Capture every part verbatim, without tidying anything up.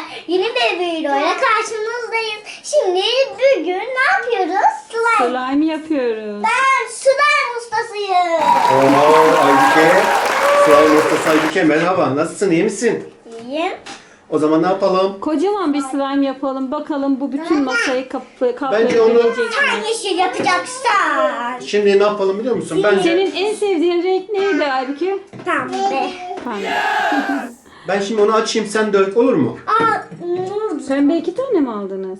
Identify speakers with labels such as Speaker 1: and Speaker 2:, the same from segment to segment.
Speaker 1: arkadaşlar, yeni bir videoyla karşınızdayız. Şimdi bugün ne yapıyoruz? Slime.
Speaker 2: Slime yapıyoruz.
Speaker 1: Ben slime ustasıyım.
Speaker 3: Oo Aybüke. Slime ustası Aybüke merhaba. Nasılsın? İyi misin?
Speaker 1: İyiyim.
Speaker 3: O zaman ne yapalım?
Speaker 2: Kocaman bir slime yapalım. Bakalım bu bütün masayı kap
Speaker 3: Bence onu-
Speaker 2: kaplayabilecek
Speaker 1: Sen
Speaker 2: mi?
Speaker 1: yeşil yapacaksan.
Speaker 3: Şimdi ne yapalım biliyor musun? Bence
Speaker 2: Senin en sevdiğin renk neydi Aybüke?
Speaker 1: Tamam be.
Speaker 2: Pembe.
Speaker 3: ben şimdi onu açayım sen dök olur mu?
Speaker 1: Aa, hmm,
Speaker 2: Pembe iki tane mi aldınız?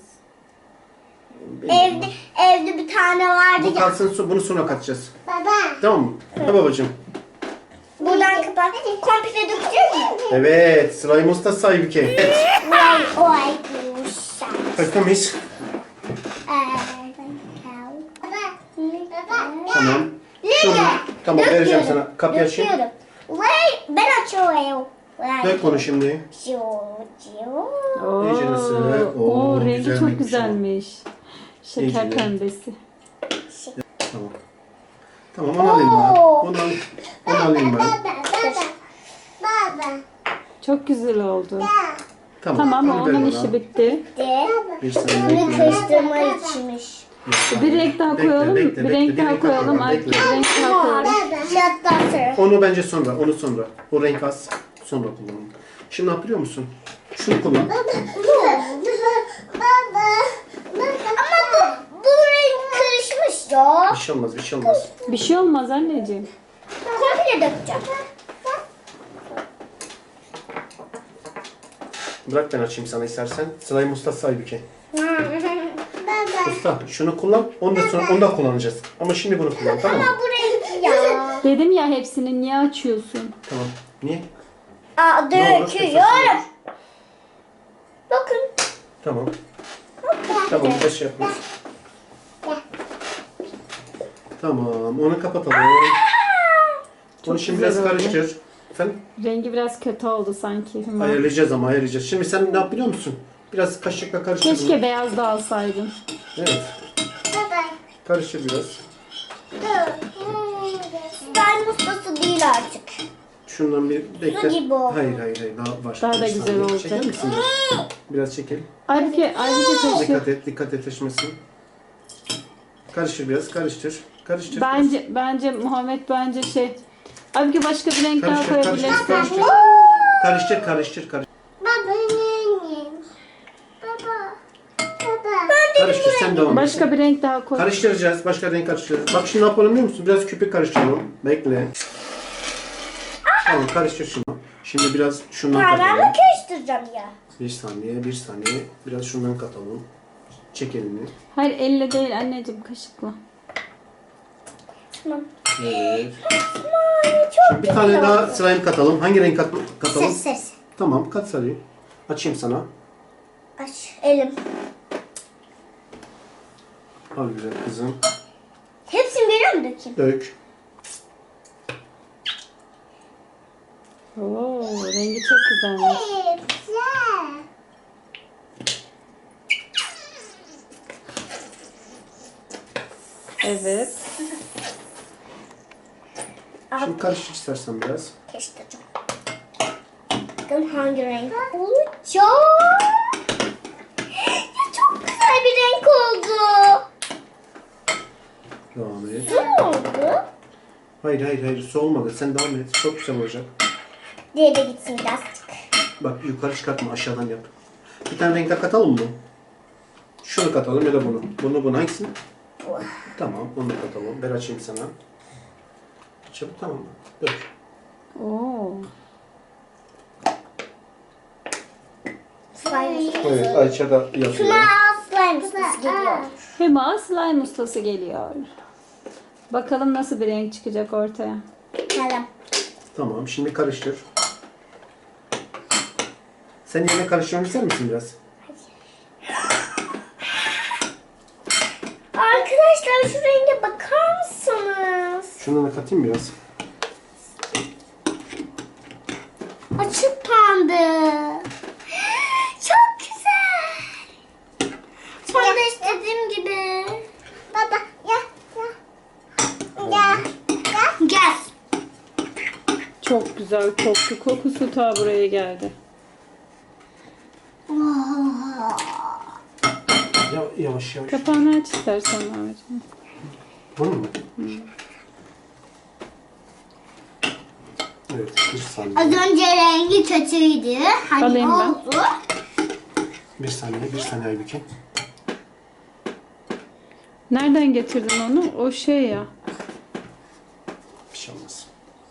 Speaker 1: evde evde bir tane vardı
Speaker 3: Bu
Speaker 1: ya.
Speaker 3: kalsın su- bunu sonra katacağız.
Speaker 1: Baba.
Speaker 3: Tamam mı? Ha babacığım.
Speaker 1: Buradan kapat. Komple dökeceğiz mi?
Speaker 3: Evet slime ustası Aybüke. Evet.
Speaker 1: Vay vay kuşlar.
Speaker 3: Bakar mıyız? Tamam. Şunu, tamam vereceğim sana. Kapıyı açayım.
Speaker 1: Döküyorum. Vay ben açıyorum. Vay.
Speaker 3: Dök bunu şimdi.
Speaker 1: Ciu, ciu.
Speaker 2: Oo,
Speaker 3: İyice nasıl? Oo,
Speaker 2: Oo, rengi
Speaker 3: güzel
Speaker 2: çok
Speaker 3: renkmiş
Speaker 2: güzelmiş. Şeker
Speaker 3: İyice.
Speaker 2: pembesi.
Speaker 3: Tamam. Tamam onu alayım ben. Onu, al, onu alayım ben.
Speaker 1: Baba.
Speaker 2: Çok güzel oldu.
Speaker 3: Tamam.
Speaker 2: Tamam
Speaker 3: onu ver
Speaker 2: onun
Speaker 3: bana.
Speaker 2: işi bitti.
Speaker 1: De.
Speaker 3: Bir saniye
Speaker 1: Bunu
Speaker 3: bekle.
Speaker 1: karıştırma içmiş.
Speaker 2: Bir renk daha
Speaker 3: Bekle,
Speaker 2: koyalım.
Speaker 3: bekle,
Speaker 2: Bir
Speaker 3: bekle,
Speaker 2: renk
Speaker 3: bir
Speaker 2: daha
Speaker 3: renk daha
Speaker 2: koyalım.
Speaker 3: koyalım,
Speaker 2: Aybüke
Speaker 3: bekle.
Speaker 2: bir renk daha koyalım.
Speaker 1: Şattan sonra.
Speaker 3: Onu bence sonra, onu sonra. O renk az, sonra kullanalım. Şimdi ne yapıyor musun? Şunu kullan.
Speaker 1: Baba. Baba. Ama bu, bu renk karışmış ya.
Speaker 3: Bir şey olmaz, bir şey olmaz.
Speaker 2: Bir şey olmaz anneciğim.
Speaker 1: Komple dökeceğim.
Speaker 3: Bırak ben açayım sana istersen. Slime ustası Aybüke.
Speaker 1: Baba.
Speaker 3: Usta şunu kullan, onu da sonra onu da kullanacağız. Ama şimdi bunu kullan, tamam mı?
Speaker 1: Ama bu renk ya.
Speaker 2: Dedim ya hepsini niye açıyorsun?
Speaker 3: Tamam. Niye?
Speaker 1: Aa,
Speaker 3: Ne olur,
Speaker 1: döküyorum. Bakın.
Speaker 3: Tamam. Tamam, bir şey yapmaz. Tamam, onu kapatalım. Onu şimdi
Speaker 2: güzel
Speaker 3: biraz
Speaker 2: oldu.
Speaker 3: karıştır. Efendim?
Speaker 2: Rengi biraz kötü oldu sanki. Hüma.
Speaker 3: Ayarlayacağız ama ayarlayacağız. Şimdi sen ne yap biliyor musun? Biraz kaşıkla karıştır. bunu.
Speaker 2: Keşke beyaz da alsaydın.
Speaker 3: Evet.
Speaker 1: Baba.
Speaker 3: Karıştır biraz.
Speaker 1: Slime ustası değil artık.
Speaker 3: Şundan bir bekle.
Speaker 1: Su gibi oldu.
Speaker 3: Hayır hayır hayır daha var.
Speaker 2: Daha da
Speaker 3: Bir
Speaker 2: güzel
Speaker 3: saniye.
Speaker 2: olacak.
Speaker 3: Çeker misin biraz? Biraz çekil.
Speaker 2: Aybüke, Aybüke taşı.
Speaker 3: Dikkat et, dikkat et taşımasın. Karıştır biraz, karıştır. Karıştır.
Speaker 2: Bence, bence Muhammed bence şey. Aybüke başka bir renk daha
Speaker 3: Karıştır, karıştır,
Speaker 2: koyabilirsin.
Speaker 3: karıştır. Karıştır, karıştır, karıştır.
Speaker 1: Baba. Baba. Baba.
Speaker 3: Karıştır, sen devam et.
Speaker 2: Başka bir renk daha koy.
Speaker 3: Karıştıracağız, başka renk karıştıracağız. Bak şimdi ne yapalım biliyor musun? Biraz köpük karıştıralım. Bekle. Tamam, karıştır şunu. Şimdi biraz şundan
Speaker 1: Parmağımla
Speaker 3: katalım.
Speaker 1: karıştıracağım ya.
Speaker 3: Bir saniye, bir saniye. Biraz şundan katalım. Çek elini.
Speaker 2: Hayır elle değil anneciğim kaşıkla.
Speaker 1: Tamam.
Speaker 3: Evet.
Speaker 1: Ay, çok
Speaker 3: Bir tane daha slime katalım. Hangi renk kat katalım?
Speaker 1: Ses ses.
Speaker 3: Tamam, kat sarıyı. Açayım sana.
Speaker 1: Aç elim.
Speaker 3: Al güzel kızım.
Speaker 1: Hepsini veriyor mu dökeyim?
Speaker 3: Dök.
Speaker 2: Oo, rengi çok güzelmiş.
Speaker 1: Güzel.
Speaker 2: Evet.
Speaker 3: Şimdi karıştır istersen biraz.
Speaker 1: Karıştıracağım. Bakın hangi renk olacak? Ya çok güzel bir renk oldu.
Speaker 3: Devam et.
Speaker 1: Ne oldu?
Speaker 3: Hayır hayır hayır su olmadı. Sen devam et. Çok güzel olacak.
Speaker 1: Diğeri de gitsin birazcık.
Speaker 3: Bak yukarı çıkartma aşağıdan yap. Bir tane renk daha katalım mı? Şunu katalım ya da bunu. Bunu bunu hangisini?
Speaker 1: Bu.
Speaker 3: Tamam onu da katalım. Ben açayım sana. Çabuk tamam mı? Dök.
Speaker 2: Oo.
Speaker 1: Slime ustası.
Speaker 3: Evet Ayça da yapıyor.
Speaker 1: Şuna slime ustası geliyor.
Speaker 2: Hüma slime ustası geliyor. Bakalım nasıl bir renk çıkacak ortaya.
Speaker 1: Tamam.
Speaker 3: Tamam şimdi karıştır. Sen yine karıştırmak ister misin biraz?
Speaker 1: Arkadaşlar şu renge bakar mısınız?
Speaker 3: Şundan da katayım biraz.
Speaker 1: Açık pembe. Çok güzel. Tam da istediğim gibi. Baba ya ya. Ya. Ya. Gel.
Speaker 2: Çok güzel koktu. Kokusu ta buraya geldi.
Speaker 3: Ya, yavaş yavaş.
Speaker 2: Kapağını aç istersen Mehmet'ciğim.
Speaker 3: Bunu mu? Evet, bir saniye.
Speaker 1: Az önce rengi kötüydü. Hani
Speaker 2: Alayım ben.
Speaker 1: oldu.
Speaker 3: Bir saniye, bir saniye Aybüke.
Speaker 2: Nereden getirdin onu? O şey ya.
Speaker 3: Bir şey olmaz.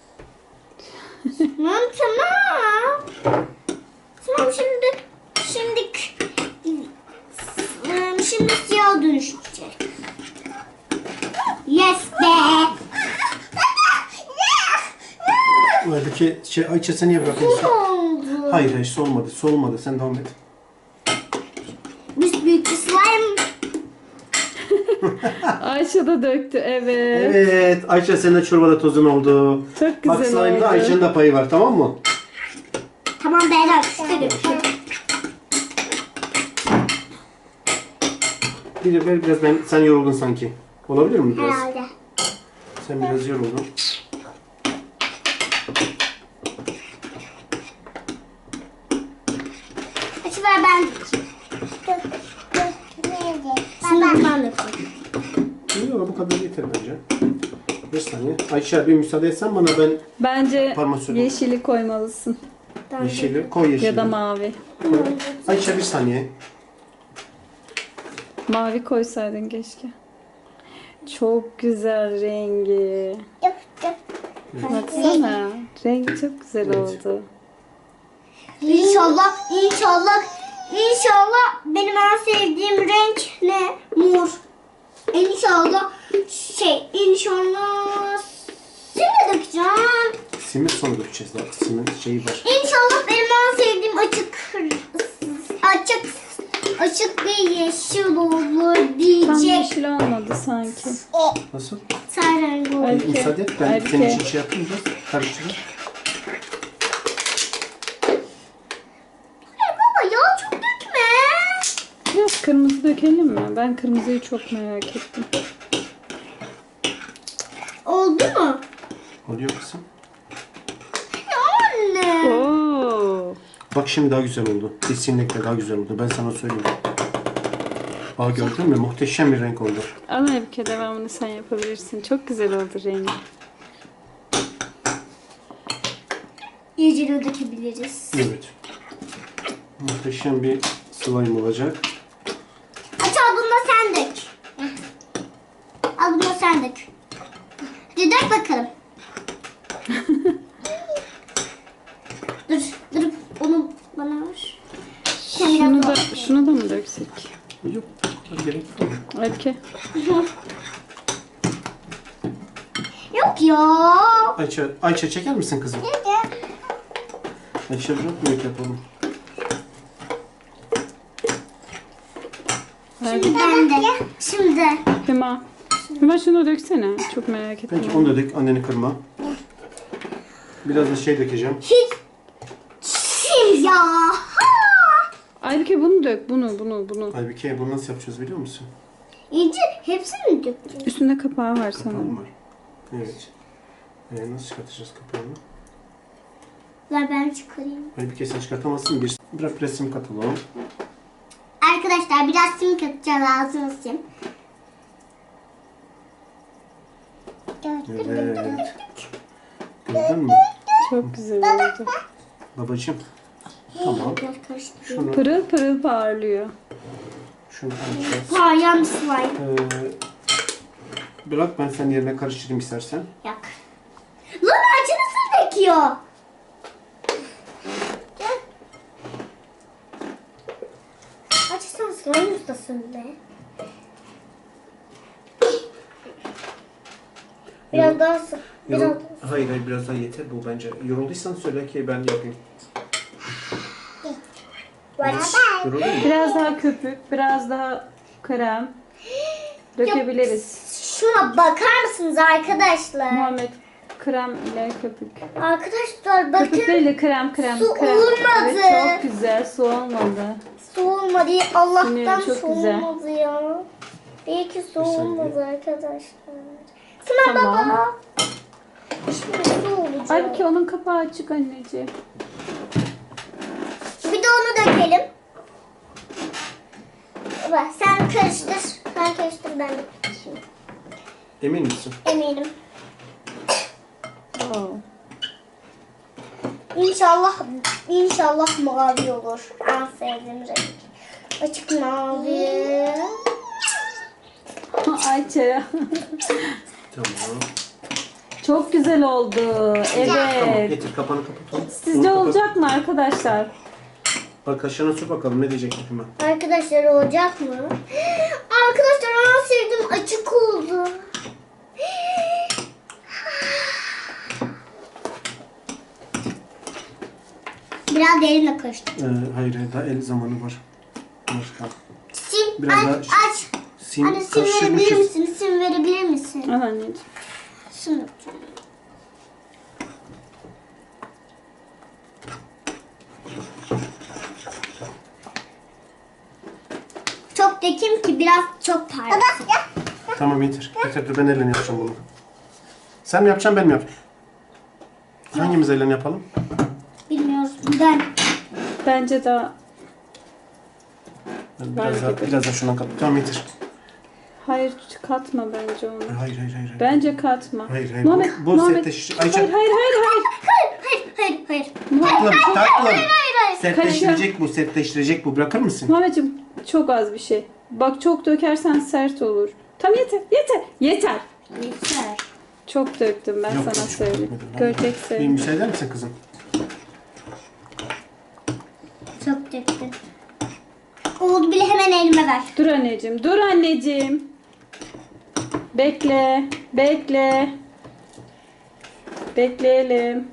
Speaker 1: Tamam tamam. Tamam şimdi şimdi ıı, şimdi siyah dönüşecek. Yes be.
Speaker 3: Aybüke, şey, Ayça sen niye bırakıyorsun?
Speaker 1: Ne oldu?
Speaker 3: Hayır hayır, solmadı, solmadı. Sen devam et.
Speaker 1: Biz büyük bir slime.
Speaker 2: Ayşe de döktü. Evet.
Speaker 3: Evet, Ayça senin de çorbada tozun oldu.
Speaker 2: Çok
Speaker 3: Bak
Speaker 2: güzel
Speaker 3: slime'da
Speaker 2: oldu.
Speaker 3: Ayça'nın da payı var, tamam mı?
Speaker 1: Tamam Berat çıkarım.
Speaker 3: Bir ver biraz, ben sen yoruldun sanki. Olabilir mi biraz?
Speaker 1: Herhalde.
Speaker 3: Sen biraz yoruldun.
Speaker 1: Açı ver ben. Şimdi ben de
Speaker 3: Yok, bu kadar yeter bence. Bir saniye. Ayça bir müsaade etsen bana, ben
Speaker 2: Bence
Speaker 3: Parmak sürdüm.
Speaker 2: yeşili koymalısın.
Speaker 3: yeşili, koy yeşili.
Speaker 2: Ya da mavi.
Speaker 3: Koy. Ayça bir saniye.
Speaker 2: Mavi koysaydın keşke. Çok güzel rengi. Baksana. Rengi çok güzel
Speaker 3: Evet.
Speaker 2: oldu.
Speaker 1: İnşallah, inşallah, inşallah benim en sevdiğim renk ne? Mor. İnşallah şey, inşallah seni dökeceğim.
Speaker 3: Simit sonra dökeceğiz daha. Simit şeyi var.
Speaker 1: İnşallah benim en sevdiğim açık, açık, açık bir yeşil olur
Speaker 2: Tam
Speaker 1: diyecek.
Speaker 2: yeşil olmadı sanki.
Speaker 3: Nasıl?
Speaker 1: Sen rengi olur.
Speaker 2: Aybüke,
Speaker 3: Müsaade et, ben
Speaker 2: Aybüke.
Speaker 3: senin için şey yapayım biraz. Karıştırayım.
Speaker 1: Ya baba ya çok dökme.
Speaker 2: Biraz kırmızı dökelim mi? Ben kırmızıyı çok merak ettim.
Speaker 1: Oldu mu?
Speaker 3: Oluyor kızım.
Speaker 1: Ya anne.
Speaker 2: Oo.
Speaker 3: Bak şimdi daha güzel oldu. Kesinlikle daha güzel oldu. Ben sana söyleyeyim. Aa, gördün mü? Muhteşem bir renk oldu.
Speaker 2: Al Aybüke, devamını sen yapabilirsin. Çok güzel oldu rengi.
Speaker 1: İyice de dökebiliriz.
Speaker 3: Evet. Muhteşem bir slime olacak.
Speaker 1: Aç al bunu da sen dök. Al bunu da sen dök. Bir dök bakalım. dur, dur. Onu bana ver.
Speaker 2: Şunu da, şunu da mı döksek?
Speaker 3: Yok. Hadi gerek yok.
Speaker 2: Aybüke.
Speaker 1: Yok ya.
Speaker 3: Ayça, Ayça çeker misin kızım? Ayça bırak büyük yapalım.
Speaker 1: Şimdi ben de. Şimdi.
Speaker 2: Hüma. Hüma şunu döksene. Çok merak ettim.
Speaker 3: Peki onu da dök. Anneni kırma. Biraz da şey dökeceğim.
Speaker 1: Hiç. Şimdi ya.
Speaker 2: Aybüke bunu dök. Bunu, bunu, bunu.
Speaker 3: Aybüke, bunu nasıl yapacağız biliyor musun?
Speaker 1: İyice hepsini mi dökeceğiz?
Speaker 2: Üstünde kapağı var
Speaker 3: Kapağım
Speaker 2: sanırım.
Speaker 3: var. Evet. Ee, nasıl çıkartacağız kapağını?
Speaker 1: Ver ben çıkarayım.
Speaker 3: Aybüke sen çıkartamazsın. Bir, biraz resim katalım.
Speaker 1: Arkadaşlar biraz sim katacağız ağzına sim.
Speaker 3: Evet. Gördün mü?
Speaker 2: Çok güzel oldu.
Speaker 3: Babacığım. Tamam.
Speaker 1: Biraz karıştırayım.
Speaker 3: Şunu,
Speaker 2: Pırıl pırıl parlıyor.
Speaker 3: şunu alacağız.
Speaker 1: Parlayan bir slime.
Speaker 3: Ee, bırak ben senin yerine karıştırayım istersen.
Speaker 1: Yak. Lan ağacı nasıl döküyor? Gel. Ağacı sen slime ustasın be. Biraz daha sık. Biraz
Speaker 3: Yorul- Hayır hayır, biraz daha yeter bu bence. Yorulduysan söyle ki ben yapayım. Yoruldun mu?
Speaker 2: Biraz daha köpük, biraz daha krem dökebiliriz.
Speaker 1: Şuna bakar mısınız arkadaşlar?
Speaker 2: Muhammed, krem ile köpük.
Speaker 1: Arkadaşlar bakın.
Speaker 2: Köpük değil de krem krem.
Speaker 1: Su
Speaker 2: krem.
Speaker 1: olmadı.
Speaker 2: Evet, çok güzel, su olmadı.
Speaker 1: Su olmadı. Allah'tan
Speaker 2: Sinirli, çok
Speaker 1: su
Speaker 2: güzel.
Speaker 1: olmadı ya. İyi ki su
Speaker 3: Bir saniye.
Speaker 1: olmadı arkadaşlar. Sınav
Speaker 2: Tamam.
Speaker 1: baba. Şimdi su olacak.
Speaker 2: Halbuki onun kapağı açık anneciğim.
Speaker 1: Bir de onu dökelim. ben de tutayım.
Speaker 3: Emin misin?
Speaker 1: Eminim.
Speaker 2: Oo.
Speaker 1: İnşallah, inşallah mavi olur. En sevdiğim renk. Açık mavi.
Speaker 2: Ayça.
Speaker 3: Tamam.
Speaker 2: Çok güzel oldu.
Speaker 3: Tamam
Speaker 2: Evet.
Speaker 3: getir kapağını kapatalım.
Speaker 2: Sizce
Speaker 3: Bunu kapat.
Speaker 2: olacak mı arkadaşlar?
Speaker 3: Bak kaşığına sür bakalım ne diyecek hükümet.
Speaker 1: Arkadaşlar olacak mı? Arkadaşlar en sevdiğim açık oldu. Biraz derinle karıştır.
Speaker 3: Ee, hayır hayır daha el zamanı var. Başka.
Speaker 1: Sim
Speaker 3: Biraz
Speaker 1: aç
Speaker 3: daha-
Speaker 1: aç.
Speaker 3: Sim
Speaker 1: Anne sim verebilir
Speaker 3: karıştırmışız.
Speaker 1: misin? Sim verebilir misin?
Speaker 2: Al anneciğim.
Speaker 1: Şunu. Çok dökeyim ki biraz çok parlasın.
Speaker 3: Tamam yeter. Yeter dur ben elle yapacağım bunu. Sen mi yapacaksın ben mi yapayım? Hangimiz elle yapalım?
Speaker 1: Bilmiyoruz. Ben.
Speaker 2: Bence daha...
Speaker 3: Ben
Speaker 2: Ben
Speaker 3: biraz, daha,
Speaker 2: gibi.
Speaker 3: biraz daha şundan kat. Tamam yeter.
Speaker 2: Hayır katma bence onu.
Speaker 3: Hayır hayır hayır. hayır.
Speaker 2: Bence katma.
Speaker 3: Hayır hayır.
Speaker 2: Muhammed,
Speaker 3: Bu, bu
Speaker 2: Muhammed.
Speaker 3: sertleştirici. Ayça.
Speaker 2: Hayır hayır hayır hayır.
Speaker 1: Hayır, hayır, hayır.
Speaker 3: Tatlım tatlım.
Speaker 1: Hayır, hayır.
Speaker 3: Sertleştirecek bu sertleştirecek bu. Bırakır mısın?
Speaker 2: Muhammedciğim çok az bir şey. Bak çok dökersen sert olur. Tam yeter yeter yeter.
Speaker 1: Yeter.
Speaker 2: Çok döktüm ben
Speaker 3: Yok,
Speaker 2: sana
Speaker 3: yok, çok
Speaker 2: söyleyeyim.
Speaker 3: dökmedim.
Speaker 2: Göreceksin.
Speaker 3: Bir müsaade eder misin kızım?
Speaker 1: Çok döktüm. Oldu bile hemen elime ver.
Speaker 2: Dur anneciğim, dur anneciğim. Bekle, bekle. Bekleyelim.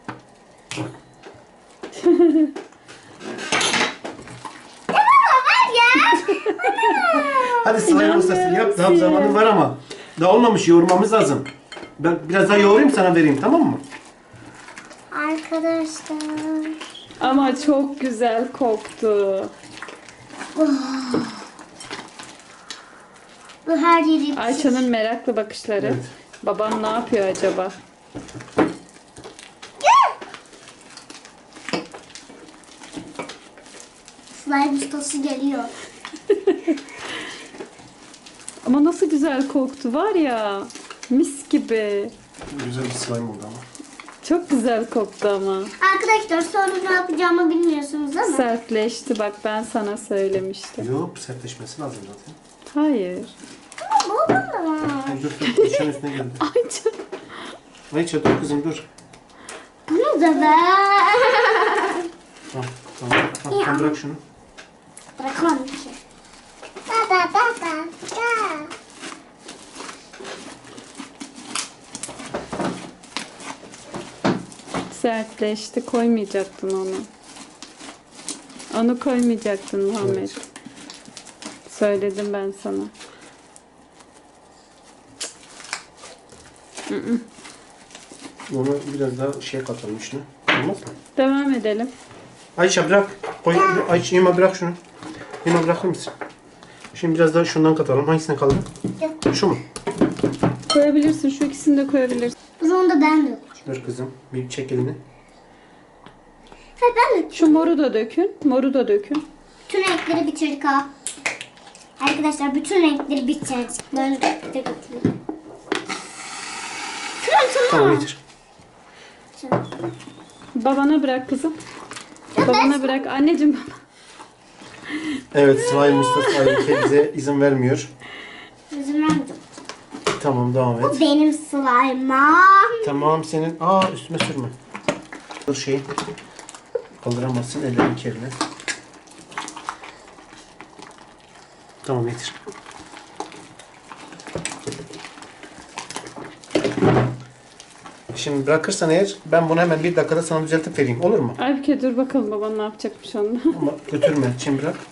Speaker 1: Ver ya.
Speaker 3: Hadi slime ustası yap. Daha
Speaker 2: İnanmıyorum
Speaker 3: zamanın var ama. Daha olmamış yoğurmamız lazım. Ben biraz daha yoğurayım sana vereyim tamam mı?
Speaker 1: Arkadaşlar.
Speaker 2: Ama çok güzel koktu.
Speaker 1: Bu her yeri
Speaker 2: Ayça'nın meraklı bakışları.
Speaker 3: Evet.
Speaker 2: Babam ne yapıyor acaba?
Speaker 1: slime ustası geliyor.
Speaker 2: Ama nasıl güzel koktu var ya. Mis gibi.
Speaker 3: Güzel bir slime oldu ama.
Speaker 2: Çok güzel koktu ama.
Speaker 1: Arkadaşlar sonra ne yapacağımı bilmiyorsunuz ama.
Speaker 2: Sertleşti bak ben sana söylemiştim.
Speaker 3: Yok sertleşmesi lazım zaten.
Speaker 2: Hayır.
Speaker 1: Bu da var.
Speaker 3: Ay, dur dur kaşığın üstüne geldi.
Speaker 2: Ayça.
Speaker 3: Ayça dur kızım dur.
Speaker 1: Bunu da ver.
Speaker 3: Tamam tamam. Tamam, tamam bırak şunu.
Speaker 1: Bırakamam ki. Da da da da da.
Speaker 2: Sertleşti. Koymayacaktın onu. Onu koymayacaktın Muhammed.
Speaker 3: Evet.
Speaker 2: Söyledim ben sana.
Speaker 3: Onu biraz daha şey katalım üstüne. Olmaz mı?
Speaker 2: Devam edelim.
Speaker 3: Ayça bırak. Koy, Ayça Yema bırak şunu. Yema bırakır mısın? Şimdi biraz daha şundan katalım. Hangisine kaldı? Şu mu?
Speaker 2: Koyabilirsin. Şu ikisini de koyabilirsin.
Speaker 1: O zaman da ben de.
Speaker 3: Dur kızım. Bir çek elini.
Speaker 1: Ha ben de.
Speaker 2: Şu moru da dökün. Moru da dökün.
Speaker 1: Bütün renkleri bitirdik ha. Arkadaşlar bütün renkleri bitirdik. Ben de de götüreyim. Tamam
Speaker 3: Tamam
Speaker 1: tamam.
Speaker 3: yeter.
Speaker 2: Babana bırak kızım. Babana bırak. Anneciğim baba.
Speaker 3: Evet slime ustası Aybüke bize izin vermiyor.
Speaker 1: İzin vermedim.
Speaker 3: Tamam devam et.
Speaker 1: Bu benim slime'ım.
Speaker 3: Tamam senin. Aa üstüme sürme. Dur şey. Kaldıramazsın ellerin kirli. Tamam yeter. Şimdi bırakırsan eğer ben bunu hemen bir dakikada sana düzeltip vereyim. Olur mu?
Speaker 2: Aybüke dur bakalım baban ne yapacakmış onunla.
Speaker 3: Ama götürme. Şimdi bırak.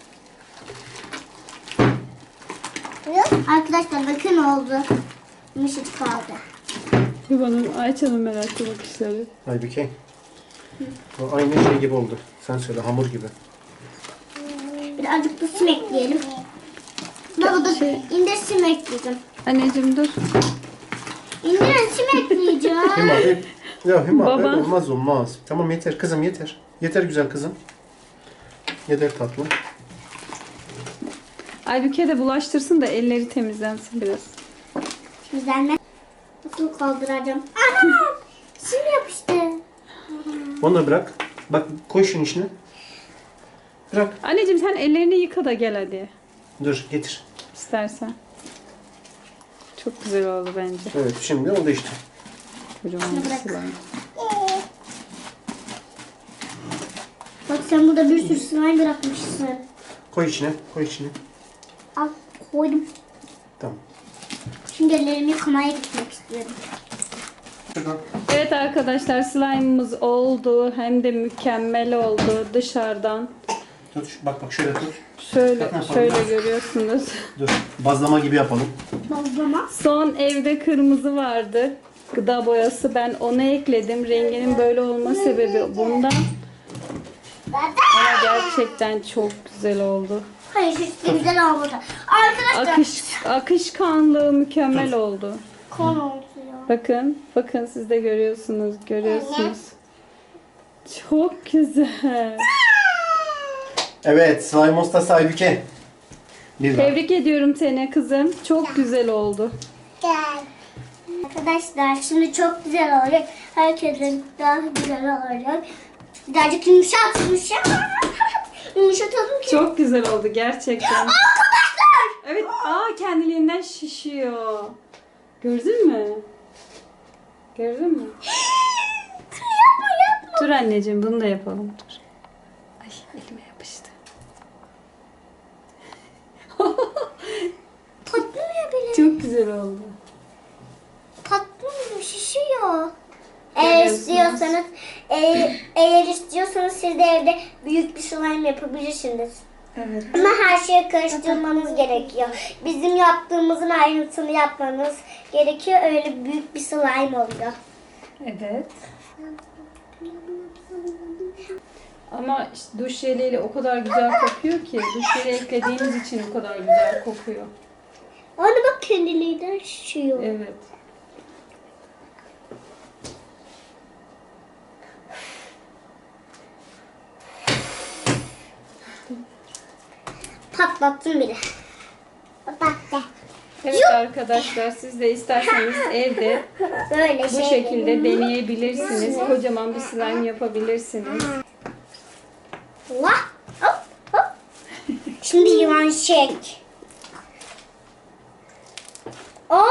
Speaker 1: Arkadaşlar bakın oldu. Yumuşacık kaldı.
Speaker 2: Babanın Ayça'nın meraklı bakışları.
Speaker 3: Aybüke. Bu aynı şey gibi oldu. Sen söyle hamur gibi.
Speaker 1: Birazcık da sim ekleyelim. Baba da
Speaker 2: Şey-
Speaker 1: indir sim ekleyeceğim.
Speaker 2: Anneciğim dur.
Speaker 1: İndirin sim ekleyeceğim.
Speaker 3: Hüma bir... Ya Hüma
Speaker 2: Baba.
Speaker 3: öyle olmaz olmaz. Tamam yeter kızım yeter. Yeter güzel kızım. Yeter tatlım.
Speaker 2: Aybüke de bulaştırsın da elleri temizlensin biraz.
Speaker 1: Güzel. Nasıl kaldıracağım? Anam! Şimdi yapıştı.
Speaker 3: Onu da bırak. Bak koy şunun içine. Bırak.
Speaker 2: Anneciğim sen ellerini yıka da gel hadi.
Speaker 3: Dur getir.
Speaker 2: İstersen. Çok güzel oldu bence.
Speaker 3: Evet şimdi oldu işte.
Speaker 2: Kocaman
Speaker 1: Şunu
Speaker 2: bir
Speaker 1: bırak.
Speaker 2: slime.
Speaker 1: Bak sen burada bir sürü slime bırakmışsın.
Speaker 3: Koy içine. Koy içine.
Speaker 1: Al koydum.
Speaker 3: Tamam.
Speaker 1: Şimdi ellerimi yıkamaya gitmek istiyorum.
Speaker 3: Şuradan.
Speaker 2: Evet arkadaşlar slime'ımız oldu. Hem de mükemmel oldu dışarıdan.
Speaker 3: Tut. şu- Bak bak şöyle tut.
Speaker 2: Şöyle
Speaker 3: Bak ne yapalım?
Speaker 2: şöyle görüyorsunuz.
Speaker 3: Dur. Bazlama gibi yapalım.
Speaker 1: Bazlama.
Speaker 2: Son evde kırmızı vardı. Gıda boyası. Ben onu ekledim. Renginin böyle olma sebebi bundan. Ama gerçekten çok güzel oldu.
Speaker 1: Hayır hiç de güzel olmadı. Arkadaşlar.
Speaker 2: Akış, akışkanlığı mükemmel oldu.
Speaker 1: Kon oldu ya.
Speaker 2: Bakın, bakın siz de görüyorsunuz, görüyorsunuz. Çok güzel.
Speaker 3: Evet. Slime ustası Aybüke. Bir daha.
Speaker 2: Tebrik ediyorum seni kızım. Çok güzel oldu.
Speaker 1: Gel. Arkadaşlar şimdi çok güzel olacak. Herkesin daha güzel olacak. Birazcık yumuşat yumuşat. Yumuşatalım ki.
Speaker 2: Çok güzel oldu gerçekten.
Speaker 1: Arkadaşlar.
Speaker 2: Evet, aa kendiliğinden şişiyor. Gördün mü? Gördün mü?
Speaker 1: yapma yapma.
Speaker 2: Dur anneciğim bunu da yapalım. Dur. Ay elime yapıştı.
Speaker 1: Patlıyor bile.
Speaker 2: Çok güzel oldu.
Speaker 1: Patlıyor, şişiyor. Eğer
Speaker 2: Görüyorsunuz.
Speaker 1: istiyorsanız, eğer, eğer istiyorsanız siz de evde büyük bir slime yapabilirsiniz.
Speaker 2: Evet.
Speaker 1: Ama her şeyi karıştırmanız gerekiyor. Bizim yaptığımızın ayrıntısını yapmanız gerekiyor. Öyle büyük bir slime oluyor.
Speaker 2: Evet. Ama işte duş jeliyle o kadar güzel kokuyor ki duş jeli eklediğiniz için o kadar güzel kokuyor.
Speaker 1: Ona bak kendiliğinden şişiyor.
Speaker 2: Evet.
Speaker 1: Patlattım bile. Patlattı.
Speaker 2: Evet arkadaşlar siz de isterseniz evde
Speaker 1: Böyle
Speaker 2: bu
Speaker 1: şey.
Speaker 2: şekilde deneyebilirsiniz. Kocaman bir slime yapabilirsiniz.
Speaker 1: Vah, hop, hop. Şimdi yılan çek. Aa!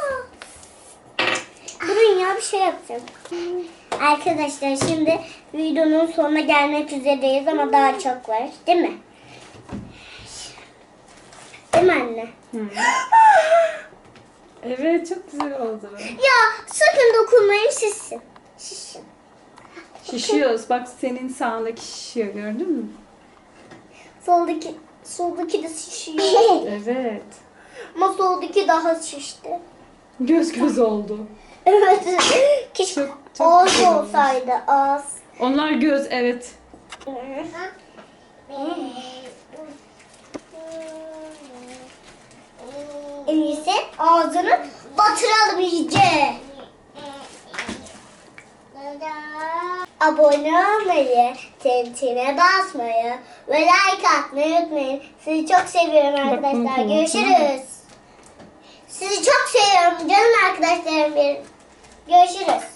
Speaker 1: Durun ya bir şey yapacağım. Arkadaşlar şimdi videonun sonuna gelmek üzereyiz ama daha çok var. Değil mi? Değil mi anne?
Speaker 2: Evet çok güzel oldu.
Speaker 1: Ya sakın dokunmayın şişsin. Şişsin.
Speaker 2: Şişiyoruz. Bak senin sağındaki şişiyor gördün mü?
Speaker 1: Soldaki, soldaki de şişiyor.
Speaker 2: Evet.
Speaker 1: Ama soldaki daha şişti.
Speaker 2: Göz göz oldu.
Speaker 1: Evet. Keşke
Speaker 2: Çok- çok
Speaker 1: ağız
Speaker 2: güzel olmuş.
Speaker 1: olsaydı ağız.
Speaker 2: Onlar göz evet.
Speaker 1: En iyisi ağzını batıralım iyice. Abone olmayı, tintine basmayı ve like atmayı unutmayın. Sizi çok seviyorum arkadaşlar.
Speaker 2: unutma,
Speaker 1: Görüşürüz. Sizi çok seviyorum canım arkadaşlarım benim. Görüşürüz.